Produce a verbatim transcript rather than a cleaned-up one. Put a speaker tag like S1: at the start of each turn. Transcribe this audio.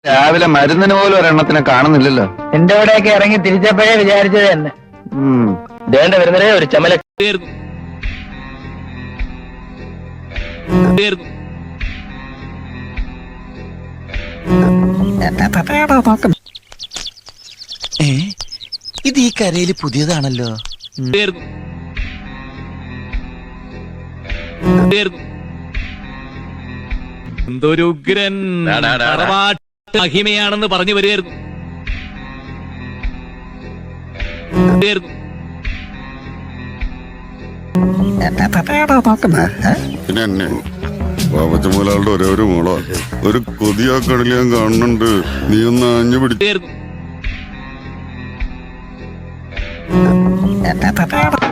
S1: രാവിലെ മരുന്നിന് പോലും ഒരെണ്ണത്തിനെ കാണുന്നില്ലല്ലോ.
S2: എന്റെ കൂടെയൊക്കെ ഇറങ്ങി തിരിച്ചപ്പോഴേ വിചാരിച്ചത് തന്നെ.
S3: വേണ്ട വരുന്നതേ ഒരു ചമല
S4: ഇത് ഈ കരയില് പുതിയതാണല്ലോ.
S5: എന്തൊരു ഉഗ്രൻ മഹിമയാണെന്ന് പറഞ്ഞു വരികയായിരുന്നു.
S6: പിന്നെ എന്നെ ബാബച്ച മുതലാളുടെ ഒരേ ഒരു മോളോ ഒരു കൊതിയാ കടല് ഞാൻ കാണുന്നുണ്ട്. നീ ഒന്ന് അഞ്ഞു പിടിച്ചു.